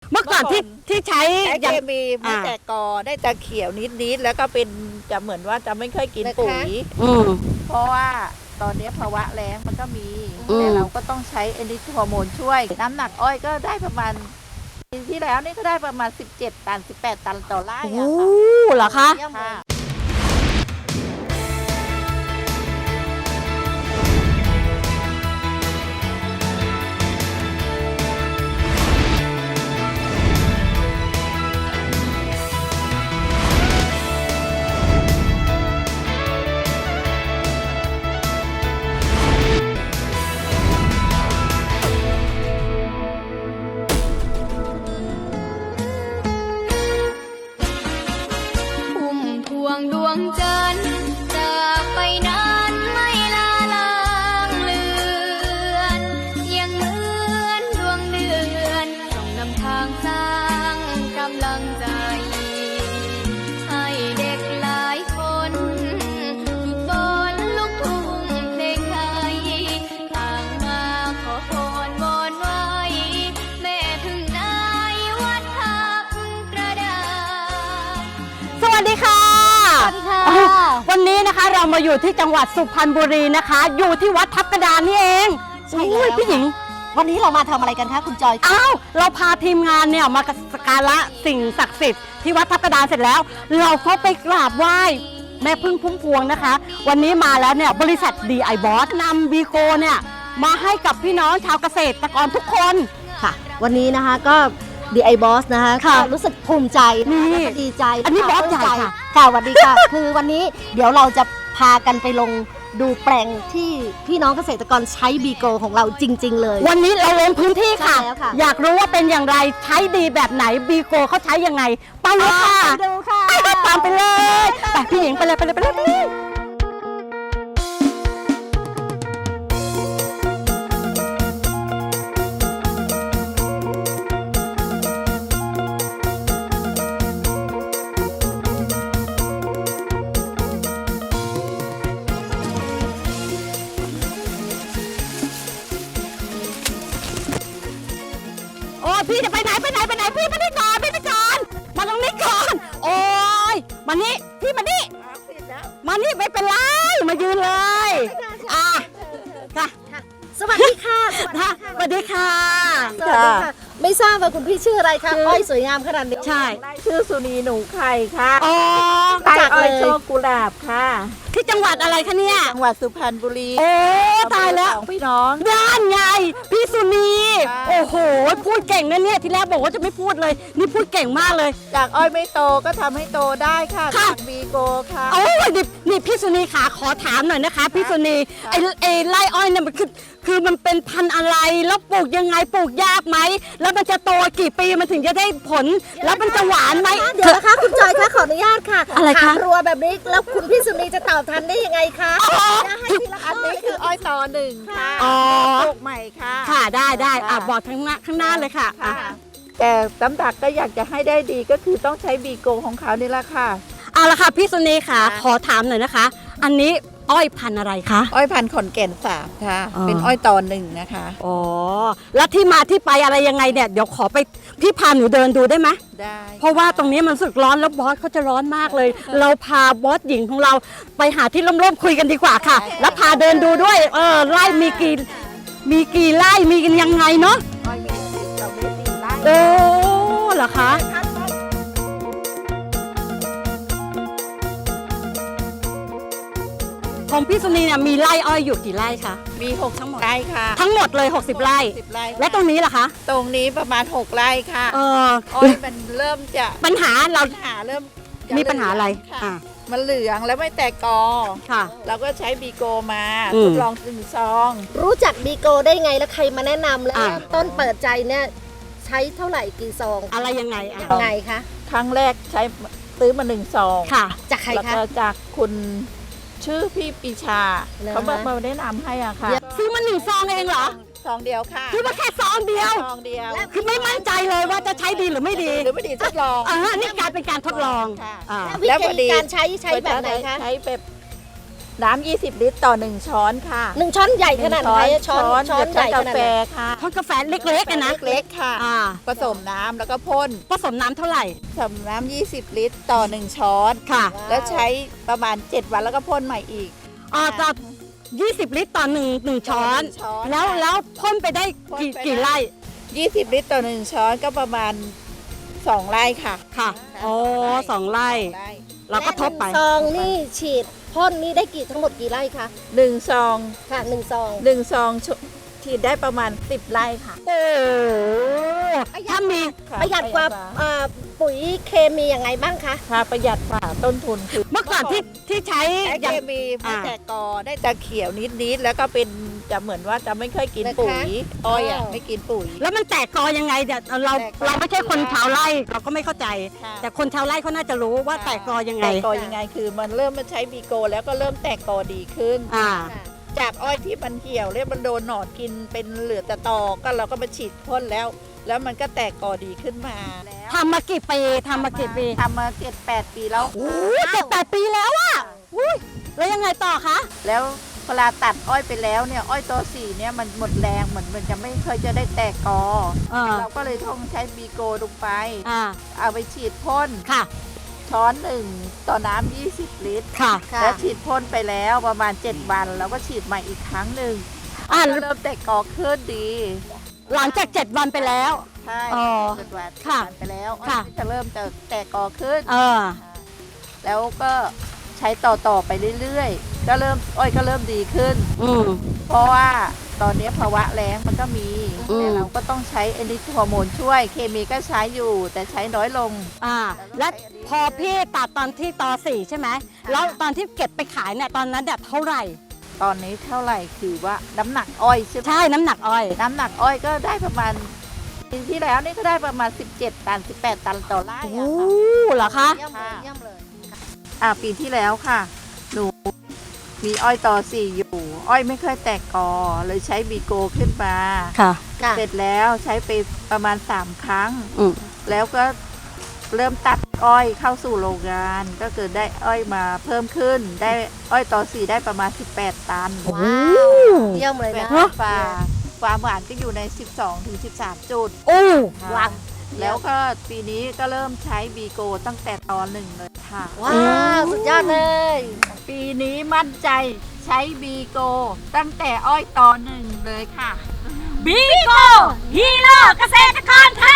เมื่อก่อนที่ใช้เคมีไม่แต่กอได้แต่เขียวนิดๆแล้วก็เป็นจะเหมือนว่าจะไม่ค่อยกินปุ๋ยเพราะว่าตอนนี้ภาวะแล้งมันก็มีแต่เราก็ต้องใช้เอนดิฮอร์โมนช่วยน้ำหนักอ้อยก็ได้ประมาณปีที่แล้วนี่ก็ได้ประมาณ17 ตัน18 ตันต่อไร่โอ้เหรอคะพุ่มพวงดวงจันทร์จากไปนั้นไม่ลาลางเลือนยังเหมือนดวงเดือนส่องนำทางสร้างกำลังใจให้เด็กหลายคนฝึกฝนลูกทุ่งเพลงไทยต่างมาขอพรวอนไว้แม่พึ่งนายวัดทับกระดานสวัสดีค่ะ วันนี้นะคะเรามาอยู่ที่จังหวัดสุพรรณบุรีนะคะ อยู่ที่วัดทับกระดานนี่เองใช่แล้วอุ้ยพี่หญิงวันนี้เรามาทำอะไรกันคะคุณจอยอ้าวเราพาทีมงานเนี่ยมาสักการะสิ่งศักดิ์สิทธิ์ที่วัดทับกระดานเสร็จแล้ว เราก็ไปกราบไหว้แม่พึ่งพุ่มพวงนะคะ วันนี้มาแล้วเนี่ยบริษัท DI Boss นำบีโกเนี่ยมาให้กับพี่น้องชาวเกษตรกรทุกคนค่ะ วันนี้นะคะก็ DI Boss นะคะค่ะก็รู้สึกภูมิใจนี่นะคะแล้วก็ดีใจอันนี้ค่ะบอสใหญ่ปลื้มค่ะค่ะสวัสดีค่ะ คือวันนี้เดี๋ยวเราจะพากันไปลงดูแปลงที่พี่น้องเกษตรกรใช้บีโกของเราจริง ๆ เลยวันนี้เราลงพื้นที่ค่ะใช่แล้วค่ะอยากรู้ว่าเป็นอย่างไรใช้ดีแบบไหนบีโกเขาใช้ยังไงไปเลยค่ะไปดูค่ะตามไปเลยไปพี่หญิงไปเลยไปเลยไปเลยไปเลยโอ้พี่จะไปไหนพี่ไปนี่ก่อนมาตรงนี้ก่อนโอ้ยมานี่พี่มานี่มานี่ไม่เป็นไรมายืนเลยอ่ะค่ะสวัสดีค่ะสวัสดีค่ะสวัสดีค่ะ ไม่ทราบว่าคุณพี่ชื่ออะไรคะอ้อยสวยงามขนาดนี้ใช่ชื่อสุนีหนูไข่ค่ะอ๋อไข่อ้อยโชคกุหลาบค่ะที่จังหวัดอะไรคะเนี่ยจังหวัดสุพรรณบุรีโอ้ตายแล้วสองพี่น้องด้านไงพี่สุนีค่ะโอ้โหพูดเก่งนะเนี่ยทีแรกบอกว่าจะไม่พูดเลย นี่พูดเก่งมากเลยจากอ้อยไม่โตก็ทำให้โตได้ค่ะค่ะจากบีโกค่ะโอ้ยนี่พี่สุนีขาขอถามหน่อยนะคะพี่สุนีไอ้ไร่อ้อยเนี่ยมันคือมันเป็นพันธุ์อะไรแล้วปลูกยังไงปลูกยากไหมแล้วมันจะโตกี่ปีมันถึงจะได้ผล แล้วมันจะหวานไหมเดี๋ยวนะคะคุณจอยคะขออนุญาตค่ะอะไรคะถามรัวแบบนี้แล้วคุณพี่สุนีจะตอบทันได้ยังไงคะอ๋อจะให้ทีละอันนี้คืออ้อยต่อหนึ่งค่ะอ๋อปลูกใหม่ค่ะค่ะได้อ่ะค่ะบอกข้างหน้าเลยค่ะอ่ะค่ะแต่ตำดักก็อยากจะให้ได้ดีก็คือต้องใช้บีโกของเขานี่แหละค่ะเอาละค่ะพี่สุนีค่ะค่ะขอถามหน่อยนะคะ อันนี้อ้อยพันธุ์อะไรคะอ้อยพันธุ์ขอนแก่นสามค่ะอ๋อเป็นอ้อยต่อหนึ่งนะคะอ๋อแล้วที่มาที่ไปอะไรยังไงเนี่ยเดี๋ยวขอไปพี่พาหนูเดินดูได้ไหมได้เพราะว่าตรงนี้มันรู้สึกร้อนแล้วบอสเขาจะร้อนมากเลย เราพาบอสหญิงของเราไปหาที่ร่มๆคุยกันดีกว่าค่ะ แล้วพาเดินดูด้วยไร่มีกี่ไร่มีกันยังไงเนาะอ้อยมีเราได้สี่ไร่โอ้เหรอคะของพี่สุนีเนี่ยมีไร่อ้อยอยู่กี่ไร่คะมี6 ทั้งหมดไร่ค่ะทั้งหมดเลย60ไร่ 10ไร่และตรงนี้ล่ะคะตรงนี้ประมาณ6ไร่ค่ะ อ้อยมันเริ่มจะปัญหาเราปัญหาเริ่มจะมีปัญหาอะไรค่ะอ่ะมันเหลืองแล้วไม่แตกกอค่ะเราก็ใช้บีโกมาอืมทดลอง1 ซองรู้จักบีโกได้ไงแล้วใครมาแนะนำแล้วอ่ะต้นเปิดใจเนี่ยใช้เท่าไหร่กี่ซองอะไรยังไงอ่ะยังไงคะครั้งแรกใช้ซื้อมา1 ซองค่ะจากใครแล้วคะก็จากคุณชื่อพี่ปีชาเหรอเขามาแนะนำให้อ่ะค่ะซื้อมา1 ซองเองเหรอซองเดียวค่ะซื้อมาแค่ซองเดียวซองเดียวคือไม่มั่นใจเลยว่าจะใช้ดีหรือไม่ดีหรือไม่ดีทดลองนี่กลายเป็นการทดลองค่ะอ่าวิแล้วพอธีดีการใช้แบบไหนคะใช้แบบน้ำ20 ลิตรต่อ 1 ช้อนค่ะ 1 ช้อนใหญ่ขนาดไหนช้อนใหญ่ขกานาดแฟไหนค่ะทอดกาแฟเล็กๆกันนะเล็กๆค่ะอ่าผสมน้ำแล้วก็พ่นผสมน้ำเท่าไหร่ผสมน้ำ20 ลิตรต่อ 1 ช้อนค่ะแล้วใช้ประมาณ 7 วันแล้วก็พ่นใหม่อีกต่อ20 ลิตรต่อ1ช้อน 1 ช้อนแล้วพ่นไปได้พ่นไปได้กี่ไร่ 20 ลิตรต่อ 1 ช้อนก็ประมาณ 2 ไร่ค่ะค่ะโอ้2 ไร่ 2 ไร่เราก็ทบไปและ1 ซองนี่ฉีดพ่นนี่ได้ทั้งหมดกี่ไร่คะ 1 ซองค่ะ1 ซอง 1 ซองฉีดได้ประมาณ 10 ไร่ค่ะโอ้ถ้ามีค่ะประหยัดกว่าปุ๋ยเคมียังไงบ้างคะค่ะประหยัดกว่าต้นทุนคือเมื่อก่อนที่ใช้ใช้อเคย่างมีไม่อ่าแต่กอได้แต่เขียวนิดๆแล้วก็เป็นจะเหมือนว่าจะไม่เคยกินปุ๋ยอ้อยอ่ะไม่กินปุ๋ยแล้วมันแตกกอยังไงเนี่ยเราแตกกอเราไม่ใช่คนชาวไร่เราก็ไม่เข้าใจค่ะแต่คนชาวไร่เขาน่าจะรู้ว่าแตกกอยังไงแตกกอยังไงคือมันเริ่มมาใช้บีโกแล้วก็เริ่มแตกกอดีขึ้นอ่าจากอ้อยที่มันเหี่ยวแล้วมันโดนหนอนกินเป็นเหลือแต่ตอก็เราก็มาฉีดพ่นแล้ว แล้วมันก็แตกกอดีขึ้นมาแล้วทำมากี่ปีทำมากี่ปีทำมา7-8 ปีแล้วโอ้7-8 ปีแล้วอะอุ้ยแล้วยังไงต่อคะแล้วเวลาตัดอ้อยไปแล้วเนี่ยอ้อยตัวสีเนี่ยมันหมดแรงเหมือนมันจะไม่เคยจะได้แตกกออ่าเราก็เลยต้องใช้บีโกลงไปอ่าเอาไปฉีดพ่นค่ะช้อนหนึ่งต่อน้ำ20 ลิตรค่ะแล้วฉีดพ่นไปแล้วประมาณ 7 วันแล้วก็ฉีดใหม่อีกครั้งหนึ่งอ่าก็เริ่มแตกกอขึ้นดีหลังจาก7 วันไปแล้วใช่อ๋อ 7 วันค่ะไปแล้วค่ะอ้อยจะเริ่มจะแตกกอขึ้นเออแล้วก็ใช้ต่อไปเรื่อยๆก็เริ่มอ้อยก็เริ่มดีขึ้นอืมเพราะว่าตอนนี้ภาวะแล้งมันก็มีอืมแต่เราก็ต้องใช้เอนิทฮอร์โมนช่วย เคมีก็ใช้อยู่แต่ใช้น้อยลงอ่า และพอพี่ตัดตอนที่ต4ใช่ไหมแล้วตอนที่เก็บไปขายเนี่ยตอนนั้นเนี่ยเท่าไหร่ตอนนี้เท่าไหร่คือว่าน้ำหนักอ้อยใช่ไหมใช่น้ำหนักอ้อยน้ำหนักอ้อยก็ได้ประมาณปีที่แล้วนี่ก็ได้ประมาณ 17 ตัน 18 ตันต่อไร่โอ้อะค่ะเหรอคะเยี่ยมเลยเยี่ยมเลยปีที่แล้วค่ะ หนูมีอ้อยต่อสี่อยู่ อ้อยไม่เคยแตกกอเลยใช้บีโกขึ้นมาค่ะค่ะเสร็จแล้วใช้ไปประมาณ 3 ครั้งอืมแล้วก็เริ่มตัดอ้อยเข้าสู่โรงงาน ก็เกิดได้อ้อยมาเพิ่มขึ้น ได้อ้อยต่อสี่ได้ประมาณ 18 ตันว้าวเยี่ยมเลยนะความหวานก็อยู่ใน 12-13 จุดโอ้ว้าวแล้วก็ปีนี้ก็เริ่มใช้บีโกตั้งแต่ตอน1เลยค่ะว้าวสุดยอดเลยปีนี้มั่นใจใช้บีโกตั้งแต่อ้อยตอ1เลยค่ะบีโกฮีโร่เกษตรกรไท